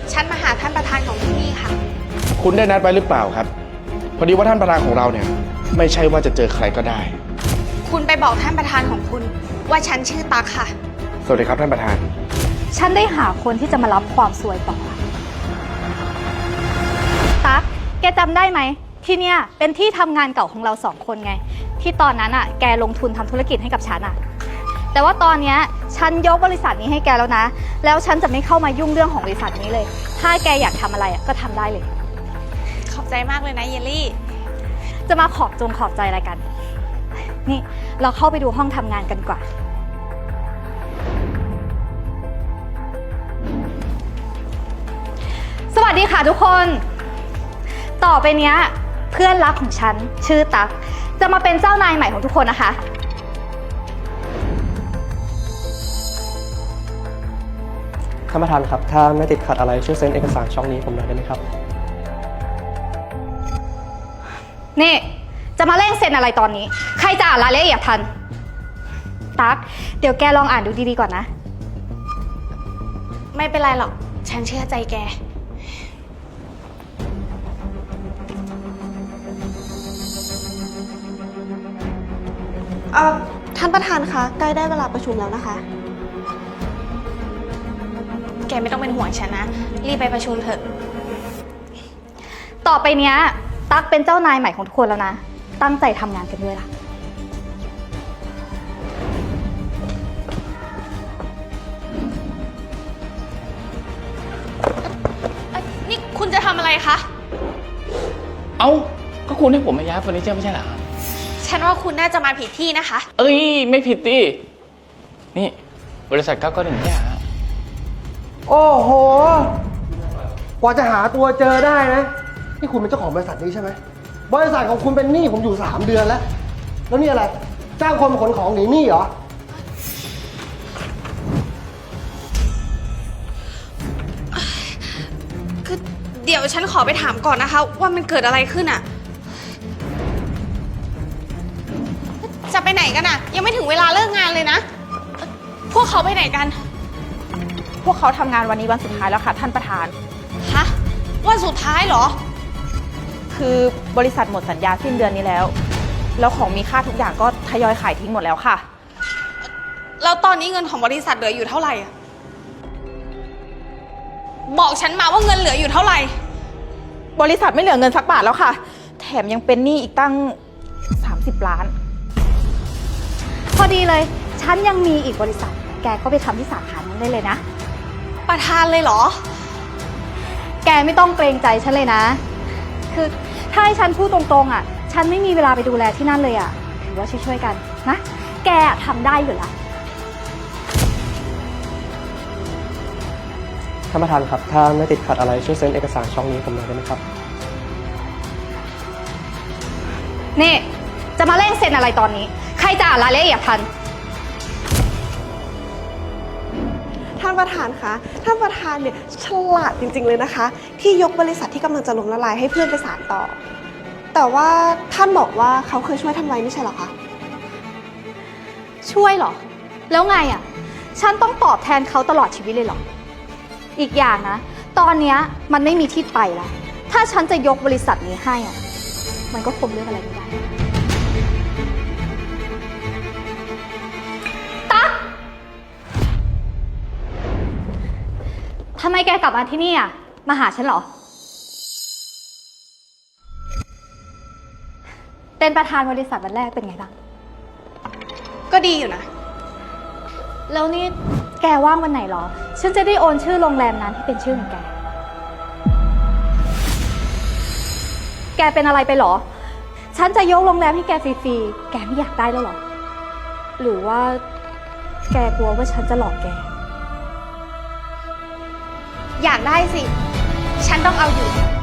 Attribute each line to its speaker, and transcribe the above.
Speaker 1: ฉันมาหาท่านประธานของที่นี่ค่ะ
Speaker 2: คุณได้นัดไว้หรือเปล่าครับ พอดีว่าท่านประธานของเราเนี่ยไม่ใช่ว่าจะเจอใครก็ได้
Speaker 1: คุณไปบอกท่านประธานของคุณว่าฉันชื่อตั๊กค่ะ
Speaker 2: สวัสดีครับท่านประธาน
Speaker 3: ฉันได้หาคนที่จะมารับความสวยต่อตั๊กแกจำได้ไหมที่เนี่ยเป็นที่ทำงานเก่าของเรา2 คนไงที่ตอนนั้นอ่ะแกลงทุนทำธุรกิจให้กับฉันอ่ะแต่ว่าตอนเนี้ยฉันยกบริษัทนี้ให้แกแล้วนะแล้วฉันจะไม่เข้ามายุ่งเรื่องของบริษัทนี้เลยถ้าแกอยากทำอะไรก็ทำได้เลย
Speaker 1: ขอบใจมากเลยนะเยลลี่
Speaker 3: จะมาขอบใจอะไรกันนี่เราเข้าไปดูห้องทำงานกันดีกว่าสวัสดีค่ะทุกคนต่อไปเนี้ยเพื่อนรักของฉันชื่อตั๊กจะมาเป็นเจ้านายใหม่ของทุกคนนะคะ
Speaker 4: ท่านประธานครับถ้าไม่ติดขัดอะไรช่วยเซ็นเอกสารช่องนี้ผมหน่อยได้ไหมครับ
Speaker 3: นี่จะมาเร่งเซ็นอะไรตอนนี้ใครจะอ่านรายละเอียดทันตั๊กเดี๋ยวแกลองอ่านดูดีๆก่อนนะ
Speaker 1: ไม่เป็นไรหรอก ฉันเชื่อใจแก
Speaker 5: ท่านประธานคะใกล้ได้เวลาประชุมแล้วนะคะ
Speaker 1: แกไม่ต้องเป็นห่วงฉันนะ รีบไปประชุมเถอะ
Speaker 3: ต่อไปเนี้ยตั๊กเป็นเจ้านายใหม่ของทุกคนแล้วนะตั้งใจทำงานกันด้วยล่ะ
Speaker 1: นี่คุณจะทำอะไรคะ
Speaker 6: เอ้าก็คุณให้ผมมาย้ายเฟอร์นิเจอร์ไม่ใช่เหรอ
Speaker 1: ฉันว่าคุณน่าจะมาผิดที่นะคะ
Speaker 6: เอ้ยไม่ผิดดินี่บริษัท991เนี่ยฮะ
Speaker 4: โอ้โหกว่าจะหาตัวเจอได้นะนี่คุณเป็นเจ้าของบริษัทนี้ใช่ไหมบริษัทของคุณเป็นหนี้ผมอยู่3 เดือนแล้วแล้วนี่อะไรจ้างคนมาขนของหนีหนี้เหรอ
Speaker 1: คือเดี๋ยวฉันขอไปถามก่อนนะคะ ว่ามันเกิดอะไรขึ้นอะจะไปไหนกันอะยังไม่ถึงเวลาเลิกงานเลยนะ พวกเขาไปไหนกัน
Speaker 7: พวกเขาทำงานวันนี้วันสุดท้ายแล้วค่ะท่านประธาน
Speaker 1: ฮะ วันสุดท้ายเหรอ
Speaker 7: คือบริษัทหมดสัญญาสิ้นเดือนนี้แล้ว แล้วของมีค่าทุกอย่างก็ทยอยขายทิ้งหมดแล้วค่ะ
Speaker 1: แล้วตอนนี้เงินของบริษัทเหลืออยู่เท่าไหร่อะบอกฉันมาว่าเงินเหลืออยู่เท่าไหร่
Speaker 7: บริษัทไม่เหลือเงินสักบาทแล้วค่ะ แถมยังเป็นหนี้อีกตั้ง30 ล้าน
Speaker 3: พอดีเลยฉันยังมีอีกบริษัทแกก็ไปทำที่สาขานั้นได้เลยนะ
Speaker 1: ประธานเลยเหรอ
Speaker 3: แกไม่ต้องเกรงใจฉันเลยนะคือถ้าให้ฉันพูดตรงๆอ่ะฉันไม่มีเวลาไปดูแลที่นั่นเลยอ่ะถือว่าช่วยๆกันนะแกทำได้อยู่แล้ว
Speaker 4: ท่านประธานครับถ้าไม่ติดขัดอะไรช่วยเซ็นเอกสารช่องนี้ผมหน่อยได้ไหมครับ
Speaker 3: นี่จะมาเร่งเซ็นอะไรตอนนี้ใครจะอ่านรายละเอียดทัน
Speaker 5: ท่านประธานคะท่านประธานเนี่ยฉลาดจริงๆเลยนะคะ ที่ยกบริษัทที่กำลังจะล้มละลายให้เพื่อนไปสานต่อ แต่ว่าท่านบอกว่าเขาเคยช่วยท่านไว้ไม่ใช่เหรอคะ
Speaker 3: ช่วยเหรอแล้วไงอ่ะฉันต้องตอบแทนเขาตลอดชีวิตเลยเหรออีกอย่างนะตอนเนี้ยมันไม่มีที่ไปแล้วถ้าฉันจะยกบริษัทนี้ให้อ่ะมันก็คงเลือกอะไรไม่ได้ตั๊กทำไมแกกลับมาที่นี่อ่ะมาหาฉันเหรอเป็นประธานบริษัทวันแรกเป็นไงบ้าง
Speaker 1: ก็ดีอยู่นะ
Speaker 3: แล้วนี่แกว่างวันไหนเหรอ ฉันจะได้โอนชื่อโรงแรมนั้นให้เป็นชื่อของแก แกเป็นอะไรไปเหรอ ฉันจะยกโรงแรมให้แกฟรีๆ แกไม่อยากได้แล้วเหรอ หรือว่าแกกลัวว่าฉันจะหลอกแก
Speaker 1: อยากได้สิ ฉันต้องเอาอยู่